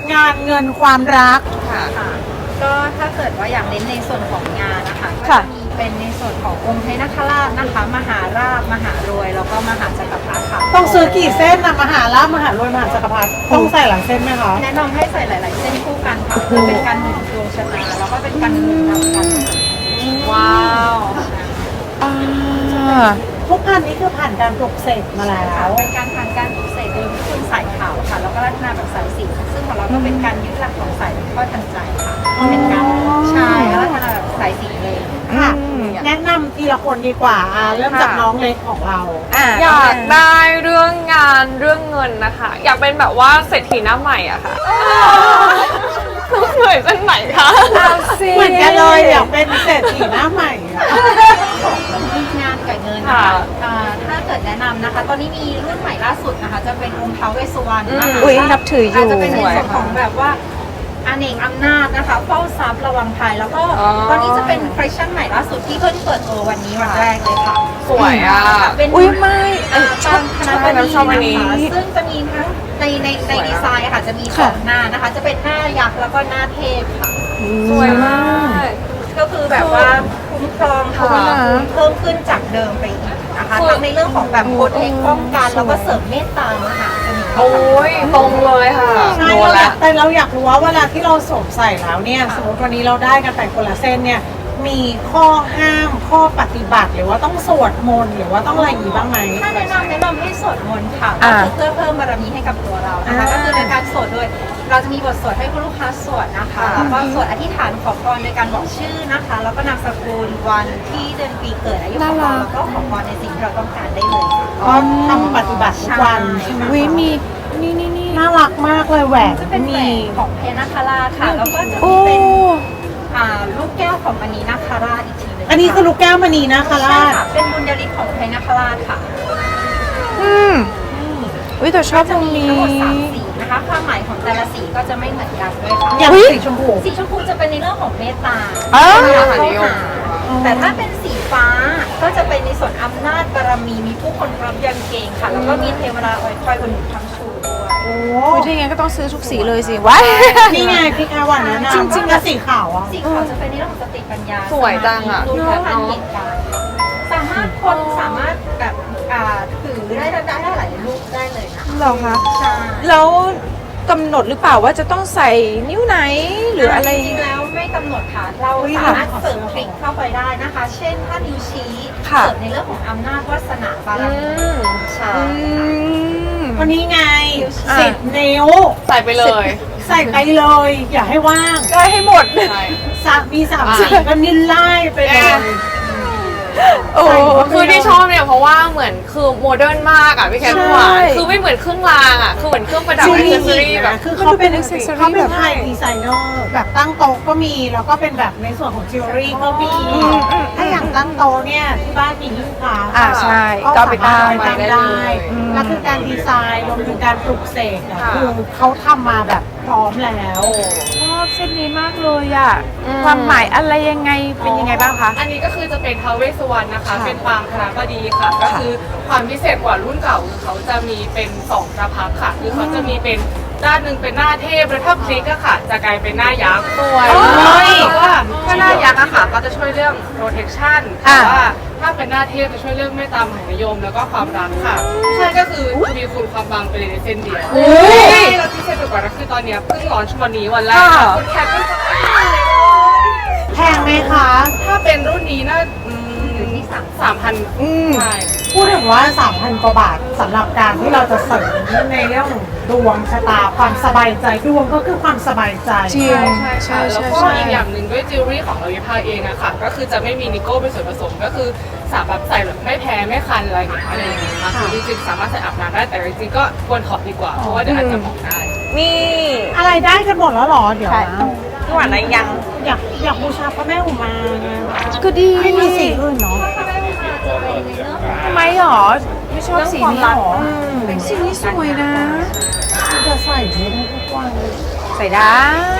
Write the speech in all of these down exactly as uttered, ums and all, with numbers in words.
งานเงินความรักค่ะก็ถ้าเกิดว่าอยากเน้นในส่วนของงานนะคะก็ค่ะจะมีเป็นในส่วนขององค์พระนคราชนะคะมหาราชมหารวยแล้วก็มหาจักรพรรดิค่ะต้องซื้อกี่เส้นนะมหาลาภมหารวยมหาจักรพรรดิต้องใส่หลังเส้นไหมคะแนะนำให้ใส่หลาย ๆ เส้นคู่กันค่ะเพื่อเป็นการหนุนดวงชะตาแล้วก็เป็นการหนุนนำกันว้าวอ่าทุกพันนี้คือผ่านการปลุกเสกมาแล้ค่ะวเป็นการผ่านการปลุกเสกโดยวิธีสายขาวค่ะแล้วก็ลักษณะแบบสายสีซึ่งของเราก็เป็นการยึดหลักของสายข้อทันใจค่ะเป็นการใช่ลักษณะแบบสายสีเลยค่ะ แนะนำทีละคนดีกว่าอ่าเริ่มจากน้องเล็กของเราอยากได้เรื่องงานเรื่องเงินนะคะ อยากเป็นแบบว่าเศรษฐีหน้าใหม่อะค่ะเหนื่อยเส้นไหนคะเหมือนกันเลยอยากเป็นเศรษฐีหน้าใหม่อะงานกับเงินนะคะอ่าถ้าเกิดแนะนำนะคะ ตอนนี้มีรุ่นใหม่ล่าสุดนะคะ จะเป็นองค์ท้าวเวสสุวรรณนะคะอุ๊ยนับถืออยู่าจจะเป็นในส่วนของแบบว่าอเนกอำนาจนะคะเฝ้าทรัพย์ระวังภัยแล้วก็ตอนนี้จะเป็นคอลเลคชั่นใหม่ล่าสุดที่เพิ่งเปิดตัววันนี้วันแรกเลยค่ะสวยอะเป็นอุ้ยไม่อ่าตามคณะบดีชอบอันนี้นะคะซึ่งจะมีทั้งในในในดีไซน์ค่ะจะมีสองหน้านะคะ จะเป็นหน้ายักษ์แล้วก็หน้าเทพค่ะสวยมากก็คือแบบว่าคุ้มครองทวีคูณเพิ่มขึ้นจากเดิมไปอีกนะคะทั้งในเรื่องของแบบโคดเอกป้องกันแล้วก็เสริมเมตตามหาเสน่ห์โอ้ยตรงเลยค่ะใช่โดนเราอแล้ยาว กแต่เราอยากรู้ว่าเวลาที่เราสวมใส่แล้วเนี่ยสมมติวันนี้เราได้กันไปคนละเส้นเนี่ยมีข้อห้ามข้อปฏิบัติหรือว่าต้องสวดมนต์หรือว่าต้องอะไรอย่างนี้บ้างไหมถ้าแนะนำแนะนำให้สวดมนต์ค่ะอ่าก็คือเพื่อเพิ่มบารมีให้กับตัวเรานะคะอ่าก็คือในการสวดโดยเราจะมีบทสวดให้คุณลูกค้าสวดนะคะแล้วก็สวดอธิษฐานขอพรโดยการบอกชื่อนะคะ แล้วก็นามสกุลวันที่เดือนปีเกิดอายุของเราแล้วก็ขอพรในสิ่งที่เราต้องการได้เลยค่ะก็ทำปฏิบัติทุกวันใช่ไหมวิมีนี่นี่นี่น่ารักมากเลยแหวนจะเป็นแหวมีนของเพญนาคาราชค่ะแล้วก็จะโอ้มีเป็นอ่าลูกแก้วของมณีนาคาราชอีกทีหนึงอันนี้คือลูกแก้วมณีนะคาใช่ราชค่ะเป็นบุญญาลิศของเพญนาคาราชค่ะอืมวิแต่ชอบตจะรงมีนี้ทั้งหมดสามสีนะคะความหมายของแต่ละสีก็จะไม่เหมือนกันด้วยค่ะอย่างสีชมพูสีชมพูจะเป็นในเรื่องของเมตตาอ้าวเข้าหาแต่ถ้าเป็นสีฟ้าก็จะเป็นในส่วนอำนาจบารมีมีผู้คนรับยันเก่งค่ะ แล้วก็มีเทวดาคอยอุดหนุนทั้งชูด้วยโอ้วิถ้าอย่างนั้นก็ต้องซื้อทุกสีเลยสิว้ายนี่ไงพี่แค่วันนั้นนะจริงๆแล้วสีขาวอ่ะสีขาวจะเป็นในเรื่องของสติปัญญาสวยจังอะรู้เท่าทันเหตุการณ์สามารถคนสามารถแบบอ่าถือได้ได้ได้หลายรูปได้เลยนะเหรอคะใช่แล้วกำหนดหรือเปล่าว่าจะต้องใส่นิ้วไหนหรืออะไรจริงๆแล้วไม่กำหนดค่ะ เราสามารถเสริมคลิกเข้าไปได้นะคะ เช่นถ้านิ้วชี้ค่ะเสริมในเรื่องของอำนาจวาสนาบารอืมีมใช่อืมวันนี้ไงอ่ะสิบนิ้วใส่ไปเลยใส่ไปเลย อย่าให้ว่างได้ให้หมดใช่สามมีสามสีก็นินไล่ไปเลยโอ้คือที่ชอบเนี่ยเพราะว่าเหมือนคือโมเดิร์นมากอ่ะพี่แคทใช่หวานคือไม่เหมือนเครื่องรางอ่ะคือเหมือนเครื่องประดับจอิรินงเซอรี่แบบคือเขาเป็นมันดูเป็น accessory เขาเป็นแบบไทยดีไซเนอร์แบบตั้งโต๊ะก็มีแล้วก็เป็นแบบในส่วนของจิวเวลรี่ก็มีอืมอืมถ้าอย่างตั้งโต๊ะเนี่ยที่บ้านมีหิ้งพระอ่าใช่ก็ก็สาไปมารถตั้งไปตั้งได้ได้เลยแล้วคือการดีไซน์รวมถึงการปลุกเสกอะค่ะคือเขาทำมาแบบพร้อมแล้วชอบเส้นนี้มากเลยอ่ะอืมความหมายอะไรยังไงเป็นยังไงบ้างคะอันนี้ก็คือจะเป็นท้าวเวสสุวรรณนะคะค่ะเป็นปางคณบดีค่ะ ก็คือความพิเศษกว่ารุ่นเก่าคือเขาจะมีเป็นสองพระพักตร์ค่ะ คือเขาจะมีเป็นด้านหนึ่งเป็นหน้าเทพแล้วถ้าพลิกอะค่ะ จะกลายเป็นหน้ายักษ์สวยเพราะว่าถ้าหน้ายักษ์อะค่ะก็จะช่วยเรื่อง protection อ่าแต่ว่าถ้าเป็นหน้าเทพจะช่วยเรื่องเมตตามหานิยมแล้วก็ความรักค่ะใช่ก็คือมีคุณความบางไปเลยในเส้นเดียวใช่แล้วพิเศษไปกว่านั้นคือตอนเนี้ยเพิ่งร้อนวันนี้วันแรกค่ะคุณแคทเป็นคนแพงไหมคะถ้าเป็นรุ่นนี้น่าอืมสามพันอืมใช่พูดถึงว่า สามพัน กว่าบาทสำหรับการที่เราจะเสริมในเรื่องดวงชะตาความสบายใจดวงก็คือความสบายใจจริงใช่ใช่ค่ะแล้วก็อีกอย่างหนึ่งด้วยจิวเวลรี่ของเราวิภาเองอะค่ะ ก็คือจะไม่มีนิโก้เป็นส่วนผสมก็คือสามารถใส่แบบไม่แพ้ไม่คันอะไรอย่างเงี้ยอะไรอย่างเงี้ยค่ะคือจริงๆสามารถใส่อาบน้ำได้แต่จริงๆก็ควรถอดดีกว่าเพราะว่าเดี๋ยวอาจจะหมองได้นี่อะไรได้กันหมดแล้วเหรอ เดี๋ยวนะพี่หวานอะไรยังอยากอยากบูชาพระแม่อุมาไงก็ดีไม่มีสีอื่นเนาะทำไมหรอ ไม่ชอบสีนี้หรออืมสีนี้สวยนะจะใส่ไม่ได้ทุกวันใส่ได้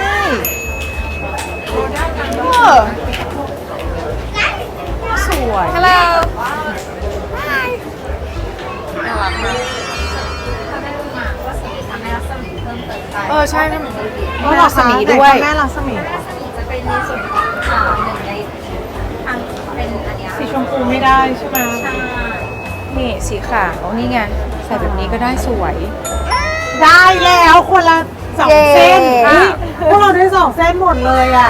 เออสวยฮัลโหลถ้าได้มาก็สามารถทำให้รัศมีเพิ่มเติมเออใช่เป็นหนึ่งในแม่รัศมีด้วยแม่รัศมีแม่รัศมีจะเป็นในส่วนของอ่าหนึ่งในทางเป็นอันเนี้ยสีชมพูไม่ได้ใช่ไหมใช่นี่สีขาวนี่ไงใส่แบบนี้ก็ได้สวยได้แล้วคนละสองเส้นเย้เฮ้ยพวกเราได้สองเส้นหมดเลยอ่ะ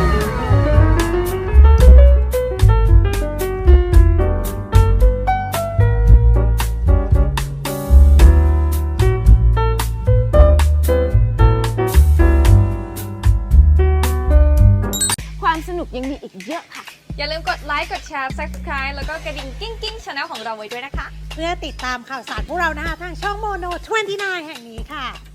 ความสนุกยังมีอีกเยอะค่ะอย่าลืมกดไลค์ กดแชร์ subscribe แล้วก็กระดิ่งกิ้งกิ้งช anel ของเราไว้ด้วยนะคะเพื่อติดตามข่าวสารพวกเรานะคะทางช่องโมโนยี่สิบเก้าแห่งนี้ค่ะ